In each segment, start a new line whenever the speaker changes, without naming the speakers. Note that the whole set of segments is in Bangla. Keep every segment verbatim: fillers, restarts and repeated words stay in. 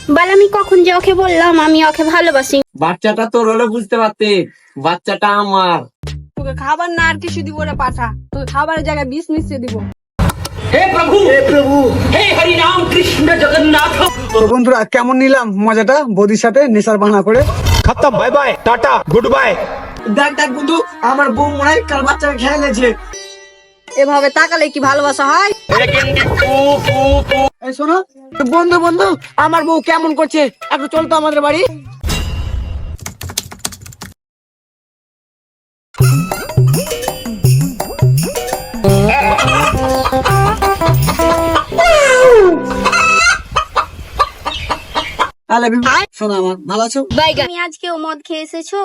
বল আমি কখন যে ওকে বললাম আমি ওকে ভালোবাসি।
বাচ্চাটা তোর হলে বুঝতে পারতে, বাচ্চাটা আমার।
তোকে খাবার না আর কিছু দিব না পাঠা, তোকে খাবারের জায়গায় বিষ মিশিয়ে দিব।
হে প্রভু, হে প্রভু, হে হরি নাম কৃষ্ণ জগন্নাথ।
তো বন্ধুরা কেমন নিলাম মজাটা বৌদির সাথে নেশার বাহানা করে।
खत्म, bye bye tata goodbye.
দেখ দেখ বন্ধু, আমার বউ মনে হয় কাল বাচ্চাকে খেয়ে নিয়েছে।
এভাবে তাকালে কি ভালোবাসা হয়?
এই শোনো
বন্ধু বন্ধু, আমার বউ কেমন করছে, একটু চল তো আমাদের বাড়ি।
তাহলে শোনো আমার ভালো আছো?
তুমি আজকেও মদ খেয়ে এসেছো?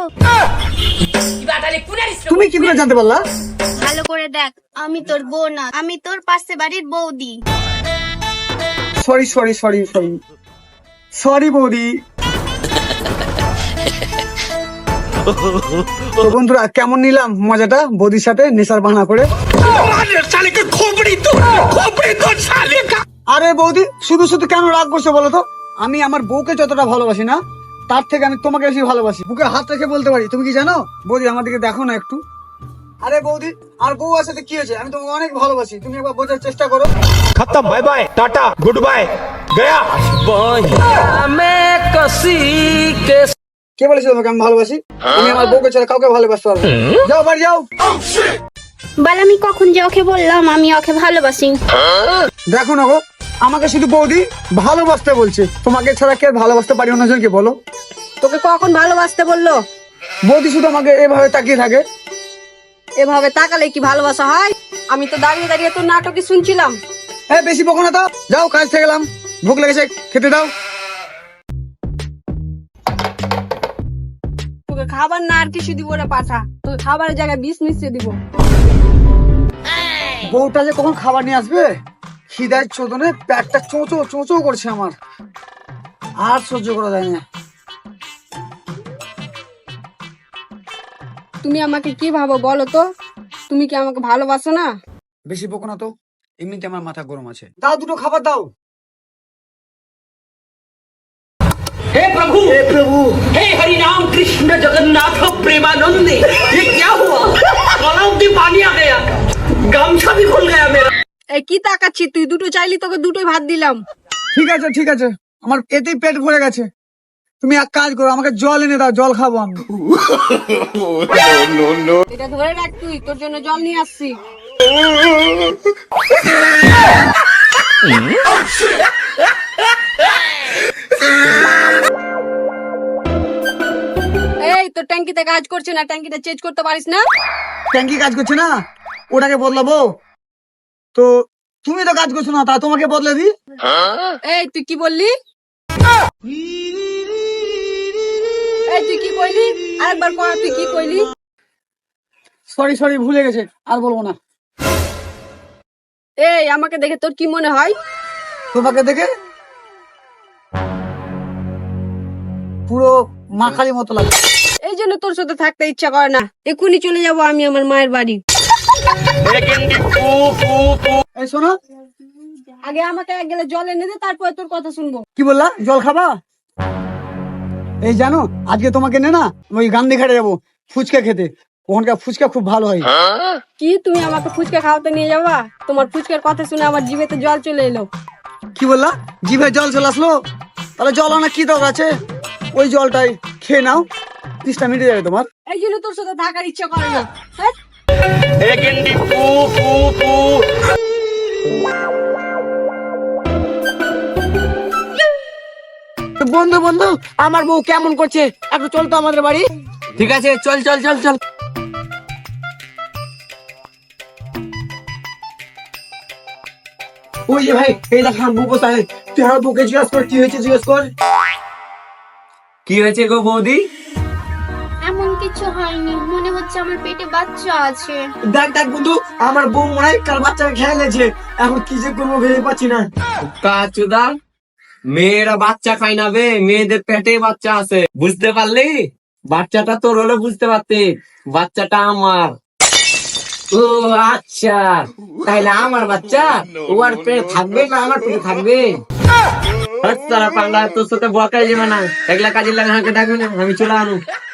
তুমি কি করে জানতে পারলা?
ভালো করে দেখ, আমি তোর বউ না, আমি তোর পাশে বাড়ির বৌদি।
Sorry sorry sorry sorry sorry বৌদি। তো বন্ধুরা কেমন নিলাম মজাটা বৌদির সাথে নেশার বাহানা করে। আরে বৌদি শুধু শুধু কেন রাগ করছো বলো তো? আমি আমার বউকে যতটা ভালোবাসি না, তার থেকে আমি তোমাকে বেশি ভালোবাসি। বুকে হাত রেখে বলতে পারি। তুমি কি জানো বৌদি? আমার দিকে দেখো না একটু। আরে বৌদি আর বউ আছে তো কি হয়েছে? আমি তোমাকে অনেক ভালোবাসি, তুমি একবার বোঝার চেষ্টা করো।
खत्म, bye bye tata goodbye गया।
কে বলেছে তোমাকে আমি ভালোবাসি? আমি আমার বউকে ছাড়া কাউকে ভালোবাসতে পারবো না। যাও বাড়ি যাও।
বল আমি কখন যে ওকে বললাম আমি ওকে ভালোবাসি।
দেখো না গো, আমাকে শুধু বৌদি ভালোবাসতে বলছে, তোমাকে ছাড়া কে ভালোবাসতে পারি অন্যজনকে বলো?
তোকে কখন ভালোবাসতে বললো?
বৌদি শুধু আমাকে এভাবে তাকিয়ে থাকে।
এভাবে তাকালে কি ভালোবাসা হয়? আমি তো দাঁড়িয়ে দাঁড়িয়ে তোর নাটকই শুনছিলাম।
হ্যাঁ বেশি বকো না তো, যাও কাজ থেকে গেলাম, ভুক লেগেছে খেতে দাও।
তোকে খাবার না আর কিছু দিব না পাঠা, তোকে খাবারের জায়গায় বিষ মিশিয়ে দিব।
বউটা যে কখন খাবার নিয়ে আসবে, খিদায় চোদনে পেটটা চোঁচো চোঁচো করছে আমার, আর সহ্য করা যায় না।
তুমি আমাকে কি ভাবো বলো তো? তুমি কি আমাকে ভালোবাসো না?
বেশি বকো না তো, এমনিতে আমার মাথা গরম আছে। দাও দুটো খাবার দাও।
हे प्रभु, हे प्रभु, हे हरि नाम कृष्ण जगन्नाथ प्रेमानंदे। ये क्या हुआ? गलाव में पानी आ गया, गामछा भी खुल गया मेरा।
এই কি তাকাচ্ছি? তুই দুটো চাইলি, তোকে দুটোই ভাত দিলাম।
ঠিক আছে ঠিক আছে, আমার এতেই পেট ভরে গেছে। তুমি এক কাজ করো, আমাকে জল এনে দাও, জল খাবো আমি।
এটা ধরে রাখ, তুই তোর জন্য জল নিয়ে আসছি। এই তোর ট্যাঙ্কিতে কাজ করছে না, ট্যাঙ্কিটা চেঞ্জ করতে পারিস না?
ট্যাঙ্কি কাজ করছে না, ওটাকে বদলাবো তো? তুমি তো কাজ করছো না, তা তোমাকে বদলে দি।
এই তুই কি বললি? এই তুই কি কইলি? আরেকবার কর, তুই কি কইলি?
সরি সরি ভুলে গেছে, আর বলবো না।
এই আমাকে দেখে তোর কি মনে হয়?
তোমাকে দেখে পুরো মাখালি মতো লাগে।
এই জন্য তোর সাথে থাকতে ইচ্ছা করে না। এক্ষুনি চলে যাবো আমি আমার মায়ের বাড়ি।
এই শোনো,
আগে আমাকে এক গেলে জল এনে দে, তারপরে তোর কথা শুনবো।
কি বললা? জল খাবা? এই জানো আজকে তোমাকে নে না ওই গান্ধী ঘাটে যাবো ফুচকা খেতে, ওখানকার ফুচকা খুব ভালো হয়।
কি তুমি আমাকে ফুচকা খাওয়াতে নিয়ে যাবা? তোমার ফুচকার কথা শুনে আমার জিভেতে জল চলে এলো।
কি বললা? জিভে জল চলে আসলো? তাহলে জল আনা কি দরকার আছে, ওই জলটাই খেয়ে নাও, তিসটা মিটে যাবে তোমার।
এই জন্য তোর সাথে থাকার ইচ্ছা করে না। হ্যাঁ? বন্ধু বন্ধু, আমার বউ কেমন করছে, একটু চল তো আমাদের বাড়ি।
ঠিক আছে, চল চল চল চল।
ওই যে ভাই, এই দেখ আমার বউ কোথায়, তুই আমার বউকে জিজ্ঞেস কর কি হয়েছে, জিজ্ঞেস কর।
কি হয়েছে গো বৌদি?
এমন কিছু হয়নি, মনে হচ্ছে আমার পেটে বাচ্চা আছে।
দেখ দেখ বন্ধু, আমার বউ মনে হয় কাল বাচ্চাকে খেয়ে নিয়েছে, এখন কি যে করবো ভেবে পাচ্ছি না।
কাচুদা, মেয়েরা বাচ্চা খায় না বে, মেয়েদের পেটে বাচ্চা আছে, বুঝতে পারলি? বাচ্চাটা তোর হলে বুঝতে পারতে, বাচ্চাটা আমার। ও আচ্ছা, তাইলে আমার বাচ্চা ও আর পেটে থাকবে না আমার পেটে থাকবে? হাত সারা পাঙ্গা তোর সাথে বকাই যাবে না, একলা কাজে লাগা হাঁকে ডাকবে না, আমি চলে আনু।